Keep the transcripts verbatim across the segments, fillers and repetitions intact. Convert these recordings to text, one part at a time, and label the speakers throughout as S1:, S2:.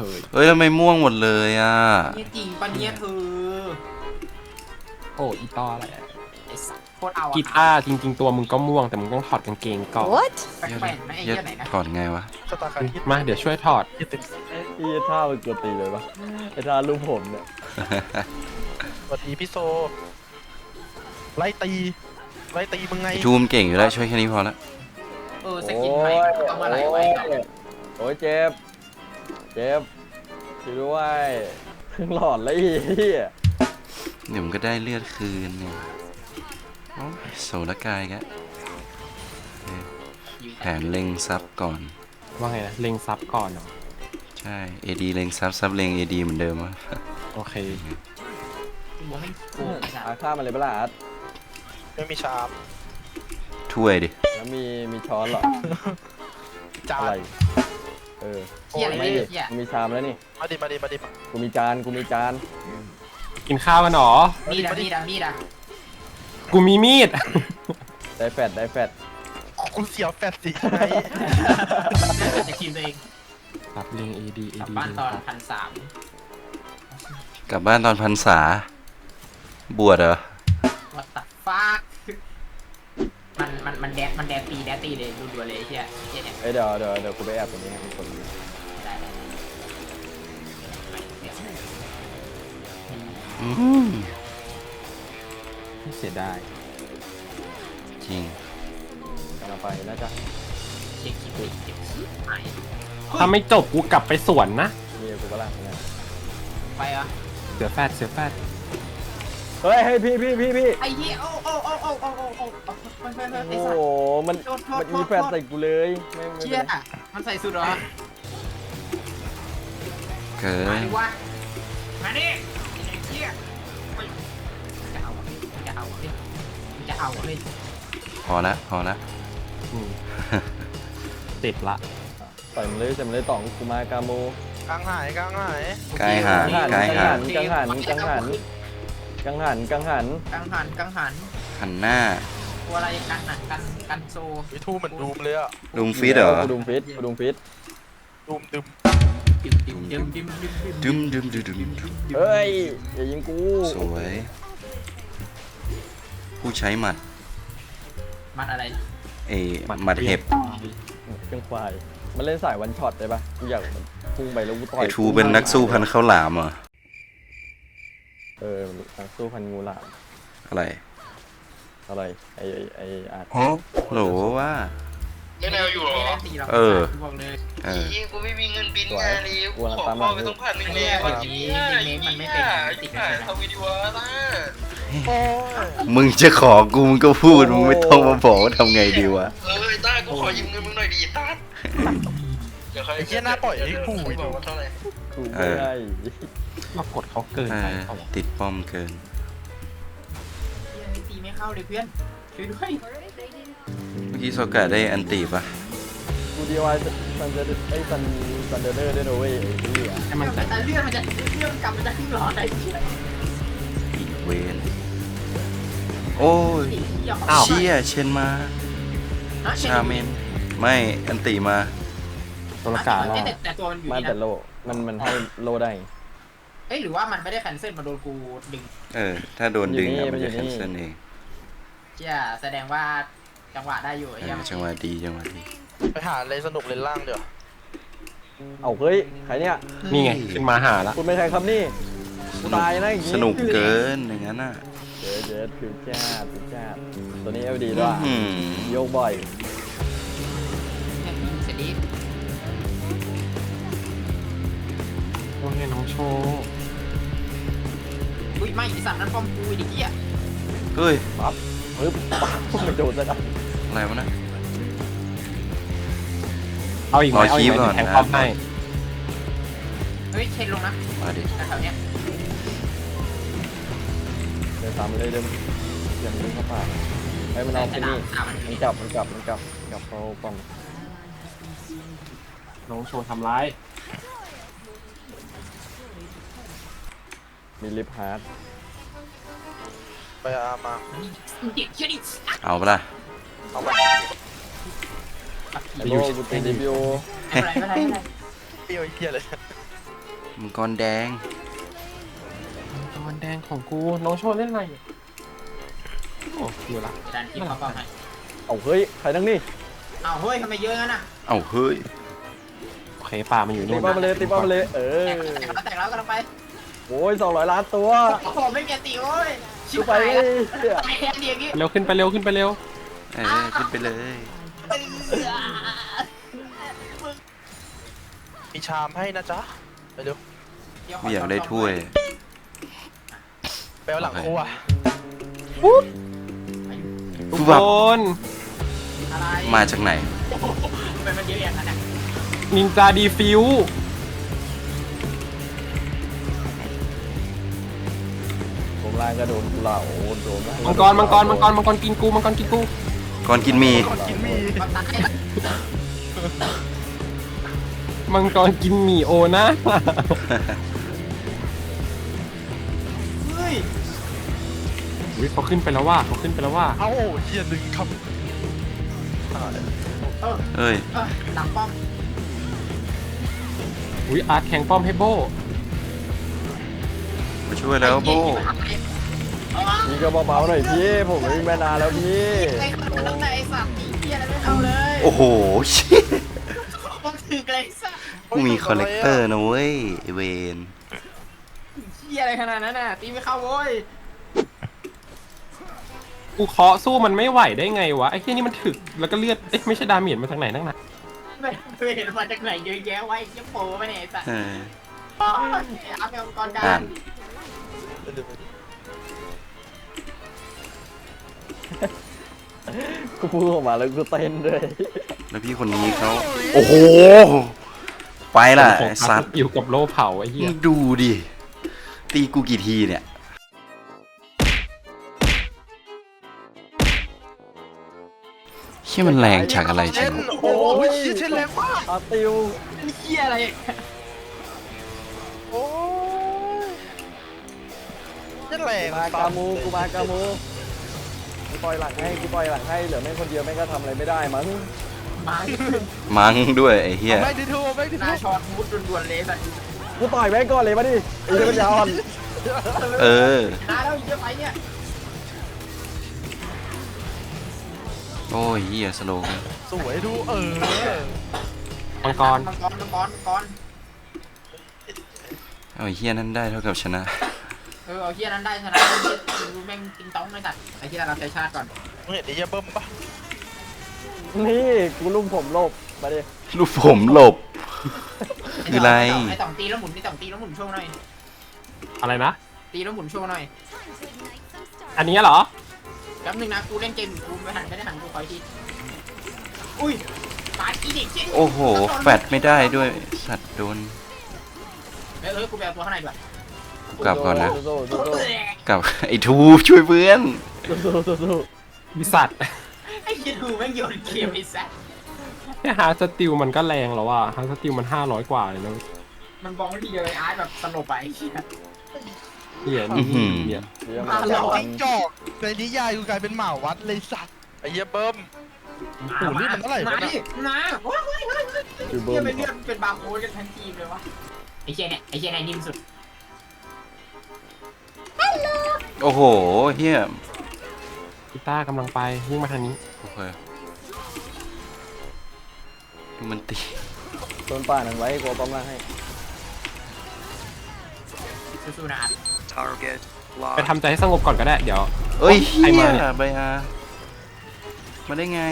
S1: ย
S2: เฮ้ยทำไมม่วงหมดเลยอ่ะ
S3: เนี่ยจริงปะเนี่ยเธอ
S1: โอ้อีต้ออะไร
S3: ไอ้สัตว์โคตรเอาอะ
S1: กีตาร์จริงๆตัวมึงก็ม่วงแต่มึงต้องถอดกางเกงก่อน
S4: What
S3: แปลกๆนะไอ้เหี้ยไหนนะ
S2: ถอดไงวะ
S5: ชะตาการคิด
S1: มาเดี๋ยวช่วยถอด
S6: พี่ท่ามันกดตีเลยปะไอ้ท่ารูปผมเนี่ย
S5: สวัสดีพี่โซไล่ตีไล่ตีมึงไง
S2: ไอทูมเก่งอยู่แล้วช่วยแค่นี้พอละ
S3: เออสกินใหม่เอามาไหลไว้ก่อน
S6: โอ้ยเจ็บเจ็บช่วยด้วยเพิ่งหลอดเลยไอ้เหี้ย
S2: เดี๋ยวมันก็ได้เลือดคืนเนี่ยโอ้ยโสรกายแกแผนเล็งซับก่อน
S1: ว่าไงนะเล็งซับก่อนเหรอ
S2: ใช่ เอ ดี เล็งซับซับเล็ง เอ ดี เหมือนเดิมวะ
S1: โอเค
S3: หัวไม่โกงไอ้สัต
S6: อา
S3: ว์
S6: ฆ่ามันเลยเปะล่าอาร์ต
S5: ไม่มีชาม
S2: ถ้วยดิ
S6: แล้วมีมีช้อนเหรอ
S5: จา
S6: อะไร
S5: น
S6: เออ
S3: เหี้ยอะไร
S6: ไม่
S3: เนี่ย
S6: ดิ
S3: เหี้ย
S6: กูมีชามแล้วนี่
S5: มาดิมาดิมาดิมา
S6: กูมีจานกูมีจาน
S1: กินข้าวกันเหรอ
S3: มีดอะมีดอะมีดอะ
S1: กูมีมีด
S6: ได้แฟดได้แฟด
S5: อ๋อคุณเสียวแฟดสิใช่ไหม
S3: จะคิมตัวเอง
S1: ปรับเล็ง เอ ดี เอก ดี
S3: ลับบ้านตอนพันสาม
S2: กลับบ้านตอนพรรษา บวชเหรอ
S3: วัตฟากมันมันมันแดกมันแดกตีแดกตีเลยรัวๆเลยไอ้เหี้ยเหี้ยเนี่ย
S6: เอ้ยเดี๋ยวเดี๋ยวเดี๋ยวกูไปแอบตรงนี้ให้คนดู
S3: ได้ได้
S2: อืม
S1: เสียดาย
S2: จริง
S6: กำลังไปน่าจะ
S3: เช็คคิดดิเก็บขี้หาย
S1: ถ้าไม่จบกูกลับไปสวนนะ
S6: มีกูก็ล่างเนี่ย
S3: ไปอ่ะ
S1: เสือแฟดเสือแฟด
S6: เฮ้ยเฮ้ยพี่พี่พี่พี่
S3: ไอ้เหี้ยโอ้โอ้โอ้โอ้โอ้โอ้โอ้มันมันมันไอ้
S6: โอ้
S3: สัต
S6: โห
S3: ว์
S6: มันมันมีแฟดใส่กูเลยไม่ไม่
S3: เชี่ยมันใส่สุดเหรอ
S2: เกิ
S3: มาน ดิวะมาดิไอ้เชี่ยจะเอาจะเอาจะเอาเลย
S2: พอละพอละ
S1: อืมติดละ
S6: ใส่มันเลยใส่มันเลยต่องกูมากาโม
S5: กลางหายกลางหาย
S2: กายหางกายหาง
S6: กังหันกังหันกังหันกังหัน
S3: กังหันกังหัน
S2: หันหน้า
S3: ตัวอะไรกันหันกันกันโซ
S5: วิทูเหมือนดูมเลยอะ
S2: ลุมฟิตเหรอ
S6: กูดุมฟิตกูดุมฟิต
S5: ดูมดึม
S3: ดิมดิมดิมดิมดิมดิม
S2: ดึมดึมดึมดึมดึม
S6: เฮ้ยอย่ายิงกู
S2: สวย ผู้ใช้หมัด
S3: มันอะไร
S2: เอหมัดเห็บ
S6: เครื่องควายมันเล่นสายวันช็อตได้ปะกูอยากพุ่งไปแล้วกูต่อย
S2: ไอทูเป็นนักสู้พันข้าวหลามเหรอ
S6: เออนักสู้พันงูหลาม
S2: อะไร
S6: อะไรไอไอไออาร์ต
S2: โหลว่า
S3: ไม่ได้อยู่หรอตีเรา
S2: เออ
S3: บอกเลย
S2: เออ
S7: อีกูไม่มีเงินบิน
S6: สวย
S7: งานเลย
S6: กู
S7: กู
S6: กำลัง
S7: ขอ
S6: ตามห
S7: พ่
S6: ลั
S7: อง ไปต้องพันหนึ่งเลยวันนี้มันไม่เป็นติดขายทวิดีโอนะ
S2: มึงจะขอกูมึงก็พูดมึงไม่ต้องมาบอกว่าทำไงดีวะ
S7: เออต้ากูขอยืมเงินมึงหน่อยดิต้าเดี๋ยวใคร
S5: ไอ้เหี้ยหน้าปล่อยให้กู
S7: ไม่
S5: ดู
S7: บอกว่าเท่าไหร่
S6: กูไม่ได้
S1: มากดเขาเกิน
S2: เอ
S1: ไป
S2: อ
S1: เปล่าวะ
S2: ติดป้อมเกิน
S3: ตีไม่เข้าเลยเพื่อนช่วยด้วย
S2: เมื่อกี้โซกะได้อันตีปะ
S6: กูดีวายซันเดอร์ไอซันซันเดอร์ได้ด้วยเว้ยไอ้ที่อ่ะ
S1: ให้มันแต่
S3: แต่เรื่องมันจะเรื่องกลับมันจะขึ้นหลอดไอ้เชี่ย
S2: อีกเวนโอ้ย เชี่ยเชนมา ชาเมน ไม่อันตีมา
S1: ตัวละกาล่อ
S3: แต่ตัวมันอยู่
S6: มัน
S3: นี่
S6: แต่
S3: นะ
S6: โลมันมันให้โลได้
S3: เอ้ยหรือว่ามันไม่ได้แคนเซิลมาโดนกูดึง
S2: เออ ถ้าโดนดึง
S6: อยู่นี่
S2: อะมันจะ
S6: มันอยู่
S2: แคน
S6: นี่
S2: เซิลเอง
S3: เชี่ยแสดงว่าจังหวะได้อยู่ไอ้
S2: เอ
S3: เหี้ย
S2: อจังหวะดีจังหวะดี
S5: ไปหาอะไรสนุกเล่นล่างเดี๋ยว
S6: เอาเฮ้ยใครเนี่ย
S1: นี่ไงขึ้นมาหาละ
S6: คุณเป็นใครครับนี่
S2: สนุก
S6: ตายนะอย่างงี้
S2: สนุกเกินอย่างนั้นน่ะ
S6: เจ๊เจ๊คือแจ๊ดคือแจ๊ดตัวนี้เอลดีด้วย
S2: อืม
S6: โยกบ่อย
S3: เสร็จดี
S1: โอ้ยน้องโชว์
S3: อุ้ยไม่ไอ้สัตว์นั้นป้อมกูไอ้เหี้ย
S2: เฮ้ย
S6: ปั๊บปึ๊บปั๊บไม่โดนซะนะ
S2: อะไรวะนะ
S1: เอาอีกไหม
S2: รอ
S1: เอาอีกไหม
S2: คีบก่อน
S1: แทง
S2: นะ
S1: ป้อมให้
S3: เฮ้ยเชนลงนะ
S2: มาดิ
S3: แถวเนี้ย
S6: เดินตามไปเลยเดินอย่างนี้เข้าป่าไอ้มันเอาไปนี่
S3: ตามมัน
S6: มันกลับมันกลับมันกลับกลับเขาป้อม
S1: น้องโชว์ทำร้าย
S6: มีลิฟฮาร์ด
S5: ไปอามา
S3: เด็กเชี่ยดิ
S2: เอาปะล่ะ
S5: เอาไป
S6: ไอ้โลกูตีดีบิโอ
S3: ไม่เป็นไรไม่เป็นไรไม่เป็นไร
S5: เปรี้ยวไอ้เหี้ยเลย
S2: มังกรแดง
S1: ตอนแดงของกูน้องโชว์เล่นอะไรโอ้อยู่ละ
S7: ดันทีมเขาก็ให้
S6: เอาเฮ้ยใครนั่งนี่
S7: อ้าวเฮ้ยทำไมเยอะงั้นอ่ะ
S2: เอ้าเฮ้ย
S1: โอเคป่ามันอยู่
S6: ตี
S1: นู่น
S6: ป้อมมาเลยตีป้อมมาเลยเออ
S7: แตกแล้วแตกแล้วกำลังไป
S6: โอ้ยสองร้อยล้านตัว
S7: โอ้โหไม่มีอันตีโอ้ยชิ
S6: ดู
S7: บ
S6: ไป
S7: หาย
S6: ไอ้
S7: แล้ว
S6: เหี้ย
S7: ไอ้เหี้ยเดียวกี้
S1: เร็วขึ้นไปเร็วขึ้นไปเร็ว
S2: เออขึ้นไปเลย
S5: มีชามให้นะจ๊ะไปเร็ว
S2: ไม่อยากได้ถ้วย
S5: ไปเอาหลังครัว
S1: ทุก
S2: แบบ
S1: คน
S7: อะไร
S2: มาจากไหน
S7: เป็นมันเยอะอย่างนั้นอ่ะ
S1: นินจาดีฟิว
S6: ผมล่างก็โดนกูเหล่าโดน
S1: มังกรมังกรมังกรมังกรกินกูมังกรกินกู
S2: ก่อนกินหมี
S5: กินมี
S7: มันตาย
S1: มังกรกินหมี่โอนะ
S7: เฮ้ย
S1: อุ้ยเขาขึ้นไปแล้วว่าเขาขึ้นไปแล้วว่า
S5: เอ้าเฮียดึงครับ
S7: เออ
S2: เอ้ย
S7: เออหลังป้อม
S1: อุ้ยอาร์ตแข่งป้อมให้โบ
S2: มาช่วยแล้วโบ
S6: พี่ก็เบาๆหน่อยพี่ผมวิ่งมานานแล้วพี่
S7: ไอ้คนนั้นไอ้สัตว์เหี้ยอะไรไม่เอาเลย
S2: โอ้โหเชี่ย
S7: ต้องถือไอ้สัตว์
S2: กูมีคอลเลกเตอร์นะเว้ยไอ้เวน
S7: เหี้ยอะไรขนาดนั้นน่ะตีไม่เข้าโว้ย
S1: กูเคาะสู้มันไม่ไหวได้ไงวะไอ้เหี้ยนี่มันถึกแล้วก็เลือดเอ๊ะไม่ใช่ดาเมจมาจากไหนนั่งนะ
S7: ไม่ไม่เห็นมาจากไหนเยอะแยะไว้ยังโปรไปเนี่ยไอ้สัตว์
S2: เออ
S7: อ๋อไอ้อาร์ตเป็นองค์กรกา
S2: อ่าร น
S6: กูพูดออกมาแล้วกูเต้นด้วย
S2: แล้วพี่คนนี้เขาโอ้โห ไปล่ะไอ้สัตว์
S1: อยู่กับโลเผาไอ้เหี้ย
S2: มึงดูดิ ตีกูกี่ทีเนี่ย เชี่ยมันแรงจากอะไร
S5: เช่
S2: ใช่
S5: น
S2: ไหม
S5: โอ้ยเชี่ยเช่นแรงมาก
S6: อาติว
S7: เหี้ยอะไร
S5: โอ้ยเช่นแรง
S6: มากามูกูมากามูกูปล่อยหลังให้กูปล่อยหลังให้เหลือแม่งคนเดียวแม่งก็ทำอะไรไม่ได้มั้ง
S7: มา
S2: มั้งด้วยไอ้เหี้ย
S5: ไม่ได้ทูไม่ได้
S7: หน้า
S5: ทู
S7: ช็อตมุดด่วนๆเลยสัตว์
S6: กูต่อยแม่งก่อนเลยมาดิไอ้เหี้ยมันยาวอ่อน
S2: เออ
S7: หน้าแล้วเยอะไปเนี่ย
S2: โอ้ยเหี้ยสโลว์
S5: สวยดูเออ
S1: มังกร
S7: มังกรมังกรมังกร
S2: เอาไอ้เหี้ยนั้นได้เท่ากับชนะ
S7: เออเอาเฮียนั้นได้ชนะเฮียดูแม่งติงต้องไม่ตัดไอ้เฮียเราใจชาติก่อน
S5: มึงเห็นไอ้เหี้ยเบิ้มปะ
S6: นี่กูลุ่มผมหลบมาดิ
S2: ลูกผมหลบ คืออะไร
S7: ไอ้ต่องตีแล้วหมุนไอ้ต่องตีแล้วหมุนโชว์หน่อย
S1: อะไรนะ
S7: ตีแล้วหมุนโชว์หน่อย
S1: อันนี้เหรอ
S7: แป๊บนึงนะกูเล่นเกมอยู่กูไม่หันไม่ได้หันกูคอยทีอุ้ยปาดอีเด็กเชี่ย
S2: โอ้โห แฟดไม่ได้ด้วยสัตว์โดน
S7: เออเออกูไปเอาตัวข้างในด้วย
S2: กลับก่อนนะ
S6: สู้ๆสู้
S2: กับไอ้ทูช่วยเพื่อน
S6: ๆสู้ๆสู้
S1: วิสัตว์
S7: ไอ้เฮียดูแม่งโยนเกมไอ้สัส
S1: เนี่ยฮาร์ดสติลมันก็แรงแล้วว่ะฮาร์ดสติลมันห้าร้อยกว่าเลยนะ
S7: มันบองทีเดียวไอ้อาร์ตแบบสลบไปไอ้เฮีย
S1: เหี้ย
S2: อื้อหือ
S1: เนี่ย
S6: ๆเดี๋ยว
S7: อ่ะ
S6: มา
S7: เรา
S5: จิ้งจอกในนิยายกูกลายเป็นหมาวัดเลยสัตว์ไอ้เหี้ยเบิ้มปู่นี่มันเท่าไหร่
S7: มาว
S5: ะ
S7: ดิ
S5: เนี่ย
S7: มาว้าวว้าวว้าว
S6: คือ
S7: เฮี
S6: เบิ้
S7: ย
S6: ม
S7: เป็นเลือดเป็นบาร์โค้ดกันทั้งทีมเลยวะไอ้เฮียเนี่ยไอ้เฮียเนี่ยนิ่มสุด
S2: โอ้โหเฮีย
S1: กีตาร์กำลังไปวิ่งมาทางนี้
S2: โอเคดูมันตี
S6: โดนป่าหนังไว้กูเอาป้อมล่างให้
S7: สู้ๆนะอาร์ต
S1: ไปทำใจให้สงบก่อนก็ได้เดี๋ยว
S2: เอ้ยเฮี
S1: ใคร
S2: ย
S1: มาเนี่ย
S2: ใบอามาได้ไง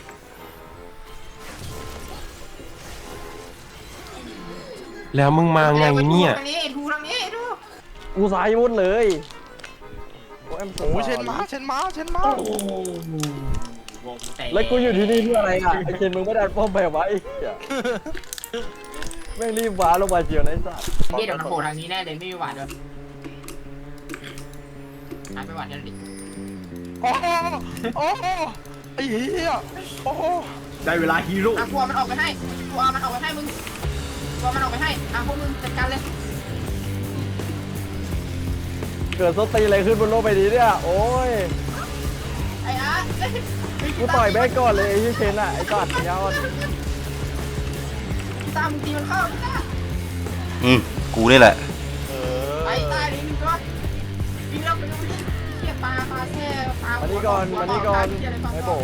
S1: แล้วมึงมาไงเนี่ย
S7: ทางนี้ไอ้ทูทางนี้ไอ้ทู
S6: กูสายมุดเลยโอ้ย
S5: โอ้ยเช่นม้าเช่นม้าเช่นม้า
S7: โอ้โหวงแตก
S6: แล้วกูอยู่ที่นี่เพื่ออะไรอ่ะไอ้เคนมึงไม่ได้ป้อมแบบไว้เหี้ยแม่งรีบว้าลงมาเจียวนะไอ้สัส
S7: เฮียเดี๋ยวมันโผล่ทางนี้แน่เลยไม่มีหวาดด้วยอาร์ตไปหวาดกันดิ
S5: โอ้โหโอ้โหไอ้เหี้ยโอ้โห
S7: ได้เวลาฮีโร่อ่ะกลัวมันออกไปให้กลัวมันออกไปให้มึงกลัวมันออกไปให้อ่ะพวกมึงจัดการเลย
S6: เกิดสตีอะไรขึ้นบนโลกใบนี้เนี่ยโอ้ย
S7: ไอ้อาร์ต
S6: กูต่อยแม่งก่อนเลยไอ้เคนอ่ะไอ้สัสยาวอ่อน
S7: ตามมึงตีมันเข้าไม่ได้
S2: อืมกูนี่แหละ
S5: เอ
S7: ไป
S5: อ
S7: ตายเลยหนึ่งตัววิ่งแล้วไปแล้ววิ่งเฮียปลาปลาแช่ปลา
S6: มานี่ก่อนมานี่ก่อนไอ้โบ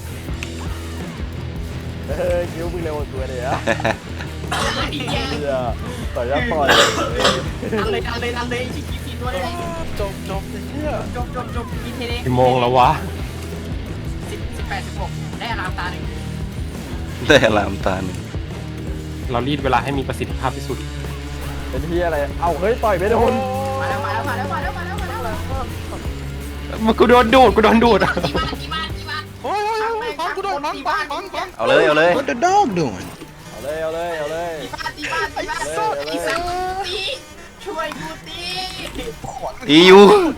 S6: เฮ้ยคิ้วมึงเร็วกว่ากูเลยอะ
S7: อีกแย่
S6: เหี้ยต่อยยับต่อย
S7: ดันเลยดันเลยดันเลยชิคกี้พีตัวเลย
S5: จบจบไอ้เหี้ย
S7: จบจบจบมีเทเล
S1: กี่โมงแล้ววะ
S7: สิบสิบแปดสิบหกได้อารามตาหนึ่ง
S2: ได้อลามตาหนึ่ง
S1: เรารีดเวลาให้มีประสิทธิภาพที่สุด
S6: เป็นที่อะไรเอ้าเฮ้ยต่อยไม่โดน
S7: มาแล้วมาแล้วมาแล้วมาแล้วมาแล้วมาแล้วมาแล้ว
S1: มันกูโดนดูดกูโดนดูด
S7: กี่บ้านกี่บ้านกี่บ้าน
S5: โอ้ยโอ้ยโอ้ยฟังกูโดนฟังฟังฟังฟัง
S2: เอาเลยเอาเลย
S4: What the dog doing?
S6: เอาเลยเอาเลยเอาเลย
S7: ตีบ้านตีบ้านตีบ้าน
S6: เอาเลยเอาเลย
S7: ตีสังตีช่วยกูตี
S2: อียู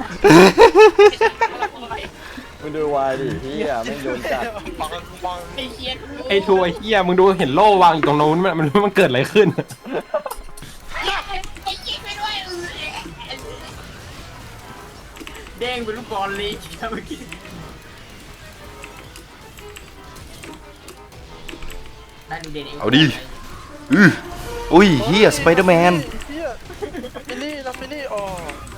S6: มึงดูวายดิเฮียไม่งโดนจัด
S5: ฟังฟัง
S7: ไอ้เคียน
S1: ไอ้ทัวร์ไอ้เฮียมึงดูเห็นโล่วางอยู่ตรงนู้นมันมันมันเกิดอะไรขึ้น
S7: ไอ้เคียนไปด้วยเด้งเป็นลูกบอลเลยเมื่อกี้ได้ดูเด่นเอง
S2: เอาดิอืออุ้ยเฮียสไปเดอร์แมน
S5: เหี้ยมินี่นะมินี่อ๋อ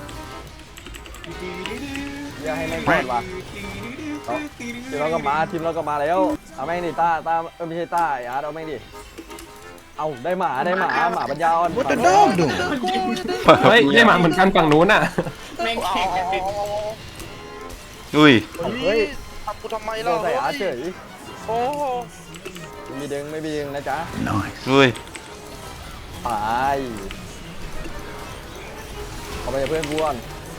S6: เฮียให้แม่งก่อนว่ะเอาทีมเราก็มาทีมเราก็มาแล้วเอาแม่งดิต้าต้าเออไม่ใช่ต้าไอ้อาร์ตเอาแม่งดิเอาได้หมาได้หมาหมาปัญญาอ่อน
S4: What the dog doing?
S1: เฮ้ยได้มาเหมือนกันฝั่งนู้นอ่ะ
S7: แม่งแข่งกันดึง
S2: อุ้ย
S5: เฮ้ยทำกูทำไม
S6: โด
S5: ล่ะ
S6: นใส่อาร์ตเฉย
S5: โอ้
S6: ไม่มีดึงไม่มีดึงนะจ๊ะ
S2: อุ้ย
S6: ไปเอาไปกับเพื่อนกูก่อน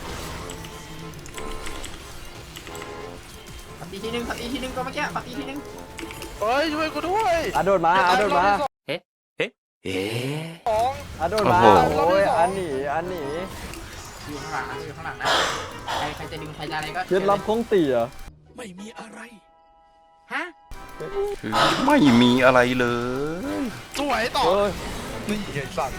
S7: ปัดตีทีนึงปัดตีทีนึงก็เมื่อกี้ปัดตีทีนึง
S5: เฮ้ยช่วยกูด้วย
S6: อาร์ตโดนมาอาร์ตโดนมา
S2: เอ๊ะ
S5: สอง
S6: อาร์ตโดนมา
S2: โอ้โห
S6: โอ้ยอันหนีอันหนี
S7: อยู่ข้างหลังนะอยู่ข้างหลังนะใครใครจะดึงใครจะอะไรก็
S6: เคล็ดลับของตีเหรอ
S7: ฮะ
S2: คือไม่มีอะไรเลย
S5: สวยต่อ
S6: เฮ้ย
S5: นี่ไอ้สัตว์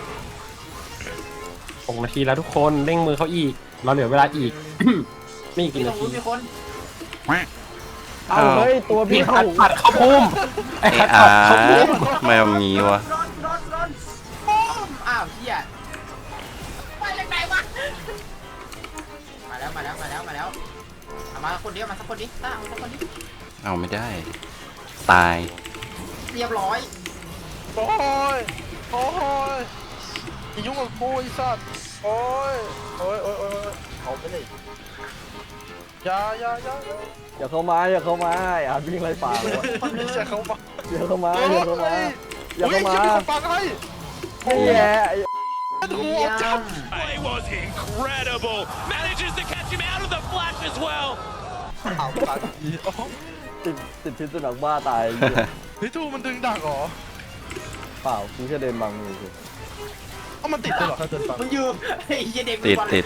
S1: หกนาทีแล้วทุกคนเร่งมือเขาอีก เราเหลือเวลาอีก ไม่อีก
S7: มี
S1: กี่
S7: ตร
S1: นาง
S7: นู้
S1: ที
S7: นมีคน
S6: เอาเฮ้ยตัว
S1: พี่
S6: พี่
S1: ขั
S6: เขา
S1: ดปัดเข้าพุ่มไอ้
S2: ไอ้
S1: ขัด
S2: อา
S1: ปัดเข้าพุ่
S2: ร์
S1: ม
S2: ตไม่เอางี้วะ
S7: โดนโดนโดนปุ้มอ้าวเฮียมาจากไหนวะมาแล้วมาแล้วมาแล้วมาแล้วเอามาคนเดียวมาสักคนดิต้าเอาสักคนดิ
S2: เอาไม่ได้ ตาย
S7: เรียบร้อย
S5: โอ้ยโอ้ยอย่ายุ่งกับกูไอ้สัตว์โอ้ยโอ้ยโอ้ยโอ้ยเอาไปเลยอย่าอย่าอย่าอย่า
S6: อย่าเข้ามาอย่าเข้ามาไอ้อาร์ตวิ่งไล่ป่าเลยว่ะ
S5: อย่าเข้ามา
S6: อย่าเข้ามาอย่าเข้ามาอย่าเข้ามา
S5: ฮ้ยจะฟังให้
S6: นี่แหละไอ้
S5: หัวจับ
S8: It was incredible. Manages to catch him out of the flash as well.
S5: เอาตังค์อีโอ้
S6: ติดติดพิษสุนัขบ้าตายไอ้เหี้ย
S5: เฮ้ยทูมันดึงดักเหรอ
S6: เปล่ากูแค่เดินบังมือกู
S5: เอามันติดเลยเหรอถ้าเดินฟัง
S7: มึงอยู่ไอ้เหี้ยเด็ก
S2: ติดติด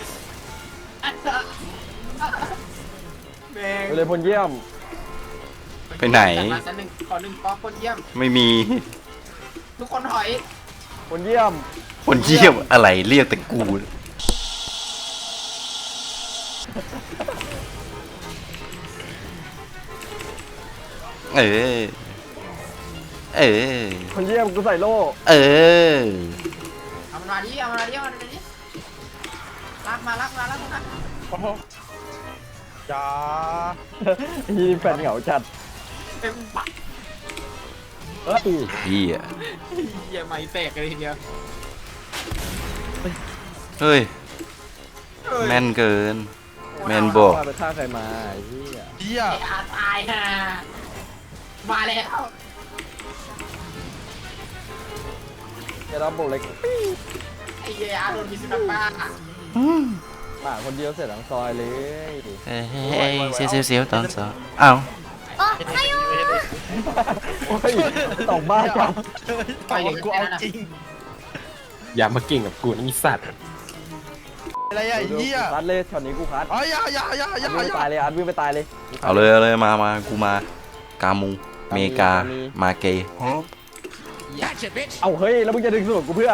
S7: แม่ง
S6: ไปเลยพลเยี่ยม
S2: ไปไหน
S7: มาสักหนึ่งขอหนึ่งป๊อกคนเยี่ยม
S2: ไม่มี
S7: ทุกคนถอย
S6: พลเยี่ยม
S2: คนเยี่ยมอะไรเรียกแต่กู เออ เออ
S6: พลเยี่ยมกูใส่โล่
S2: เออ
S7: เอามันมาดิเอามันมาดิเอามันมาดิลากมาลากมาลากมา
S5: โอ้โหอย่า
S6: ยีแฟนเหงาจัด
S7: เต็มปาก
S6: เอ้ย
S2: เฮีย
S7: เหี้ยไม่แตกเลยทีเดียว
S2: เฮ้ย แม่นเกิน แมนบอก
S6: ว่าไปฆ่าใครมาไอ้เหี้ย
S5: เหี้ย
S7: ไอ้อาตายฮะมาแล้ว
S6: จะรับโบกเล็ก
S7: ไอ้เหี้ยอาโดนพิษสุนัขบ้า
S6: หมาคนเดียวเสร็จทั้งซอยเลย
S2: เฮ้ยเสียวเสียวเสียวตอนสองอ้าว
S6: โอ้ยตอกบ้าจัง
S5: ต่อยกูเอาจริง
S1: อย่ามาเก่งกับกูนี่สัตว์
S5: อะไรอ่ะไอ้เหี้ย
S6: คัดเลยช็อตนี้กูคัด
S5: อ๋ออย่าอย่าอย่าอย่า
S6: วิ่ง
S5: อ
S6: ไป
S5: ย่า
S6: ตายเลยอาร์ตวิ่งไปตายเลย
S2: เอาเลยเอาเลยมามากูมา กามู เมกา มาเก
S6: เอาเฮ้ยแล้วมึงจะดึงสนุกกูเพื่อ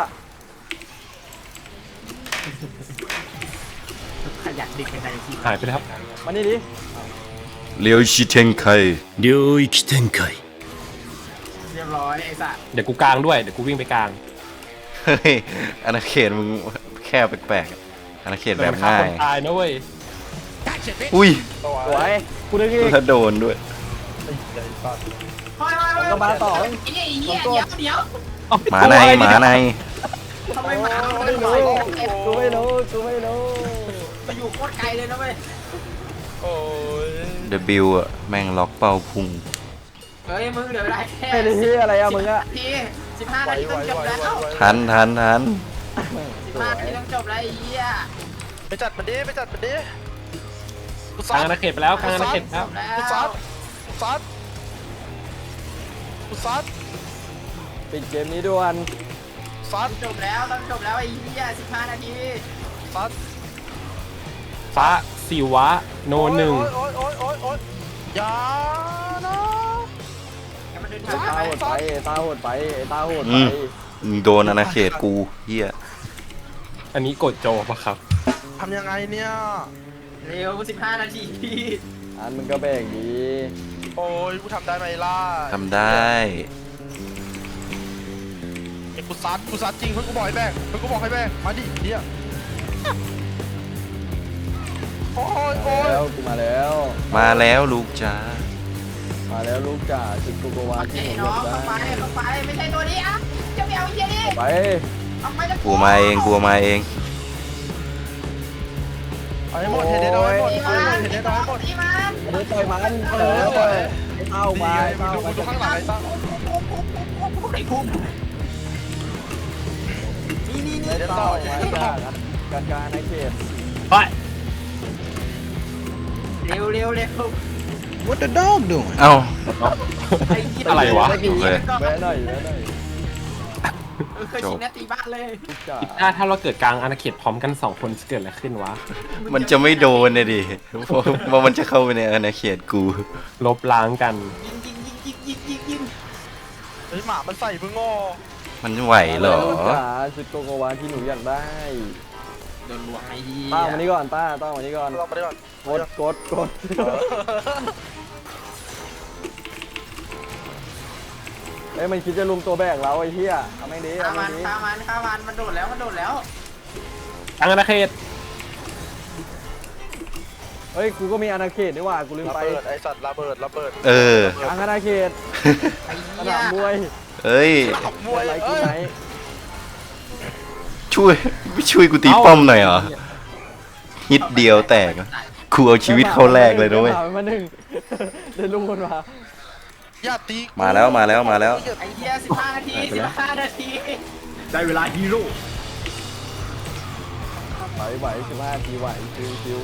S7: ขยันดึกเป็นนาที
S1: หายไปแล้ว
S6: มานี่ดิ
S2: เลียวชิเทนไค
S4: 領域展開。
S7: เรียบร้อยไอ้สัส
S1: เดี๋ยวกูกลางด้วยเดี๋ยวกูวิ่งไปกลาง
S2: เฮ้ยอาณาเขตมึงแค่แปลกๆอาณาเขตแบบง่าย
S1: คนตายนะเว้ย
S2: อุ้ย
S5: ตัว
S6: สวยกูนึกอีก
S2: ถ้าโดนด้วย
S5: ไอ้ใหญ่สัตว์
S7: เฮ้ยเฮ้ยเฮ้ย
S6: ก็มาต่อ
S7: ไอ้เหี้ยไอ้เหี้ยเดี๋ยวเดี๋ยว
S2: หมาในหมาใน
S7: ทำไมหมามัน
S6: ไม่
S7: ล
S6: รู้
S7: อย
S6: กูไม่รู้กูไม่รู้
S7: ไปอยู่โคตรไกลเลยนะเว้ย
S5: โอ้ย
S2: เดบิวอะแม่งล็อกเป้าพุง
S7: เฮ้ยมึงเหลือเวลาแค่
S6: ไม่ได้ที่อะไรอะมึงอะ
S7: ทีสิบห้า
S5: ไหว
S7: นาที
S5: ไหว
S7: ต้องจบ
S5: ไหว
S7: แล้ว
S5: ไหวไหว
S2: ทันทันทัน
S7: สิบห้านาทีต้องจบแล้วไอ้เหี้ย
S5: ไปจัดมันดิไปจัดมันดิกู
S1: ก
S5: ซั
S1: ลาง
S5: ด
S1: อาณาเขตไปแล้วกลางอาณาเขต
S7: จ
S1: แล้ว
S7: บแล้ว
S5: กูซัดกูซัดกูซัด
S6: ปิดเกมนี้ด่วน
S5: ซัด
S7: จบแล้วต้องจบแล้วไอ้เหี้ยสิบห้านาที
S5: ซัด
S1: ฟ้าสิวะโนหนึ่ง
S5: โอ๊ยโอ๊ยโอ๊ยโอ๊ยอย่านะ
S7: ให้มันเดิน
S6: ไอ้
S7: ทาง
S6: ตา
S7: ไป
S6: โหดไปไอ้ตาโหดไปไอ้ตาโหด
S2: อื
S6: ไป
S2: มมึงโดนอาณาเขตกูเฮีย
S1: อันนี้กดโจปะครับ
S5: ทำยังไงเนี่ย
S7: เร็วสิบห้านาที
S6: อันมึงก็แบ่งดี
S5: โอ้ยกูทำได้ไหมล่ะ
S2: ทำได้
S5: ไอ้กูซัดกูซัดจริงเพื่อนกูบอกให้แบกเพื่อนกูบอกให้แบกมาดิเดี๋ยวโอ้ย
S6: มา
S5: โอ้ย
S6: แล้วกูมาแล้ว
S2: มาแล้วลูกจ้า
S6: มาแล้วลูกจ่าจุดโกโกวาที่
S7: ไอ้
S6: หนู
S7: น้อง
S6: เลือก
S7: เข้าไป
S6: ได้
S7: เข้าไปไม่ใช่ตัวนี้อ่ะจะไปเอาไอ้เหี้ยนี่
S6: ไป
S7: เอาไปจะ
S2: กูมาเองกูมาเอง
S5: เอาให้หมดเห็นได้น้อยหมด
S7: ตี
S5: เอา
S7: มั
S5: ให้หม
S7: น
S5: ดเห็นได้น้อยหมด
S7: ตีมัน
S6: เดี๋ยวต่อยมันเออไอ้เต้ามาไอ้
S5: มึง
S6: เต้า
S5: ดู
S6: มา
S5: มึงดูข้างหลังไอ้ตั้ง
S7: ไอ้คุ้มนี่นี่
S6: ไอ้
S7: นี่
S6: เต้ามาจากการการในเขต
S1: ไป
S7: เร็วเร็วเร็ว
S4: What the dog doing?
S2: เอ้า
S7: ไอ้เหี้ย
S1: อะไรวะ
S6: ไม่กี่
S2: โอเค
S6: แวะหน่อยแวะหน่อย
S7: เออเคยชิงนาตีบ้านเลย
S6: ลูกจ่า
S1: ถ้าถ้าเราเกิดกลางอาณาเขตพร้อมกันสองคนจะเกิดอะไรขึ้นวะ
S2: มันจะไม่โดนเลยดิเพราะว่ามันจะเข้าไปในอาณาเขตกู
S1: ลบล้างกัน
S7: ยิงยิงยิงยิงยิงยิงยิง
S5: เฮ้ยหมามันใส่มึงงอ
S2: มันไหวเหรอ
S6: ลูกจ่าจุดโกโกวาที่หนูอยากได้
S7: โดนลวงไอ้เหี้ย
S6: ต้ามานี่ก่อนต้าต้ามานี่ก่อน
S5: ลองมาดิก่อน
S6: กดกดกดเอ้ยมันคิดจะลุมตัวแบกเราไอ้เหี้ยเอาไม่ดี
S7: ฆ่า
S6: เอา
S7: มั
S6: ไม่
S7: น
S6: ดี
S7: ฆ่ามันฆ่ามันมันโดดแล้วมันโดดแล้ว
S1: กลางอาณาเขต
S6: เฮ้ยกูก็มีอาณาเขตนี่หว่ากูลืม
S5: ระ
S6: ไป
S5: เบิดไอสัตว์ระเบิดระเบิด
S2: เออ
S6: กลางอาณาเขต
S7: ไอ้
S6: ส
S7: เหี้ย
S6: นามมวย
S2: เอ้ย
S5: ขับม
S6: ม
S5: ว
S6: วย ยไรกู
S5: เอ้ย
S6: ไหน
S2: ช่วยไม่ช่วยกูตีป้อมหน่อยเหรอฮิตเดียวแตกอะกูเอาชีวิตเข้าแรกเลยนะเว้ย
S6: ได้มาหนึ่งเดินลุงคนมา
S5: อย่าตีกู
S2: มาแล้วมาแล้วมาแล้ว
S7: ไอ้เหี้ยสิบห้านาทีสิบห้านาที
S6: ไหวไหวสิบห้าทีไหวชิวชิว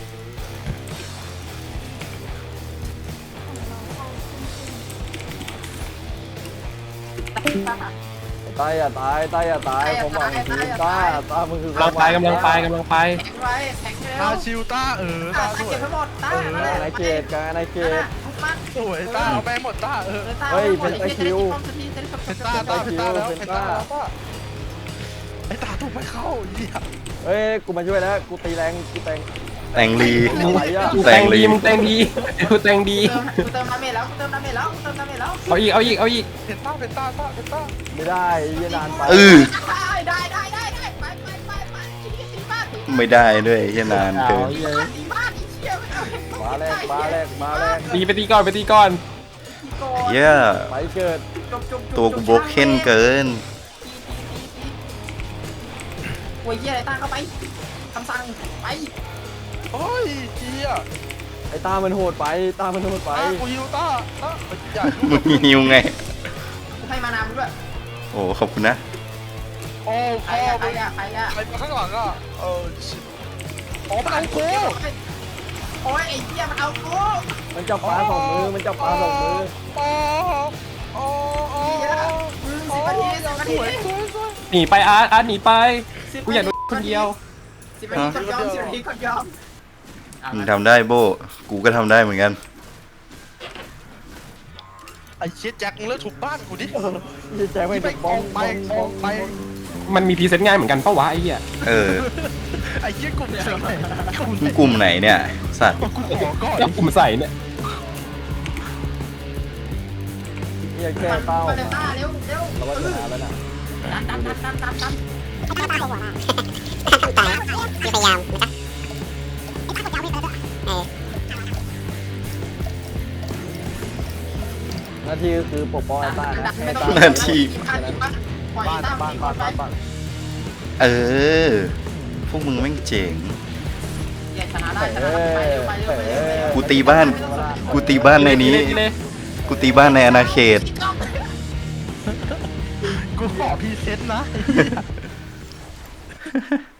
S6: ตายอย่าตายตายอย่าตายผมหวังทีตาตามึงคือก
S1: ำลังไปกำลังไปกำลังไป
S7: แข็งไว้แข็งเร็
S5: ตาว ชิวต้าเออ
S7: ตา
S5: ตาส
S7: เก็
S5: วย
S7: บให้หมดตา
S6: กลางอาณาเขตกลางอาณาเขต
S7: ทุกมัน
S5: สวยต้าเอาแม่งหมดต้าเออ
S6: เฮ้ยเป็นตะคริว
S5: เป็นต้าต้าเป็นต้าแล้วเป็นต้าแล้วต้าไอตาถูกไม่เข้าเหี้ย
S6: เฮ้ยกูมาช่วยแล้วกูตีแรงกูแตง
S2: แต่งลี
S6: อะไรอ่ะ
S1: มึงแตงดีมึงแตงดีกูแตงดี
S7: เติมน้ำเมแล้วเติมน้ำเมแล้วเติมน้ำเมแล้ว
S1: เอาอีกเอาอีกเอาอีก
S5: เป็นต้าเป็นต้าต้าเป็นต้า
S6: ไม่ได้ยีนานไป
S2: เออ
S7: ได้ได้ได้ได้ไปไปไปไปตีบ้านตี
S2: ไม่ได้ด้วยเหี้ยนานเกิน
S7: บ้านตีบ้านตีเชี่ยไม่เอา
S6: มาแรกมาแรกมาแรก
S1: ตีไปตีก่อนไปตีก่อน
S2: เหี้ย
S6: ไปเกิด
S2: ตัวกูโบกเค้นเกิน
S7: โอ้ยเหี้ยอะไรตั้งเข้าไปคำสั่งไป
S5: โอ้ยเหี้ย
S6: ไอ้ตามันโหดไปตามันโหดไป
S5: ต้ากูฮิวต้าต้าอย่า
S2: มึงหิวไง
S7: กูให้มานำด้วย
S2: โอ้ขอบคุณนะ
S5: โอ้
S7: ใคร
S5: พ่อ
S7: อะใคร
S5: มึง
S7: อะใครอะ
S5: ใครมาข้างหลังอ่ะเออชิอ๋อมันเอากู
S7: โอ้ยไอ้เหี้ยมันเอากู
S6: มันจับปลาสองมือมันจับปลาสองมือ
S5: อ๋ออ๋ออ๋อ
S7: เหี้ยมึงสิบนาทีสิบนาที
S1: หนีไปอาร์ตอาร์ตหนีไปกูอยากโดนคนเดียว
S7: สิบนาทีกดยอมสิบนาทีกดยอม
S2: มึงทำได้โบ กูก็ทำได้เหมือนกัน
S5: ไอ้เชี่ยแจ็คมึงเลิกถูกบ้านกูดิ
S6: ยี่แจ็คไม่
S5: ไป
S6: ถูก
S5: ป
S6: บ้
S5: อ
S6: อง ง
S5: ไป
S6: บ้อง
S5: ป
S6: บ้
S5: อ
S6: อง ง
S5: ไป
S1: มันมีพรีเซนต์ง่ายเหมือนกันปะวะไอ้เหี้ย
S2: เออ
S5: ไอ้เชี่ยกลุ่มไหนกลุ่มไหน
S2: กลุ่มไหนเนี่ย สัตว์
S5: กูขอก่อน
S1: แล้วกลุ่มใส่เนี่ย
S6: ยี่แค่เต้า
S7: มาเร็วต้าเร็วเร็ว
S6: เราว่าชนะแล้วนะ
S2: เอ
S7: ดันดันดันดันดันดัน
S9: ตาหัวมากตายพยายามนะเออ
S6: หน้าที่ก็คือปกป้องไอ้ต้านะให้ต้า
S2: หน้าที่
S7: ปล่อย
S5: บ้าน
S7: ต้า
S5: บ้าน
S7: ตี
S5: บ้าน
S7: ไป
S5: บ้านบ้าน
S2: เออ พวกมึงแม่งเจ๋ง
S7: อย่าชนะได้ชนะไปเร็วไปเร็วไปเร็วไปเร็ว
S2: กูตีบ้าน กูตีบ้านในนี้
S1: เลย
S2: กูตีบ้านในอาณาเขต
S5: กูขอพรีเซนต์นะ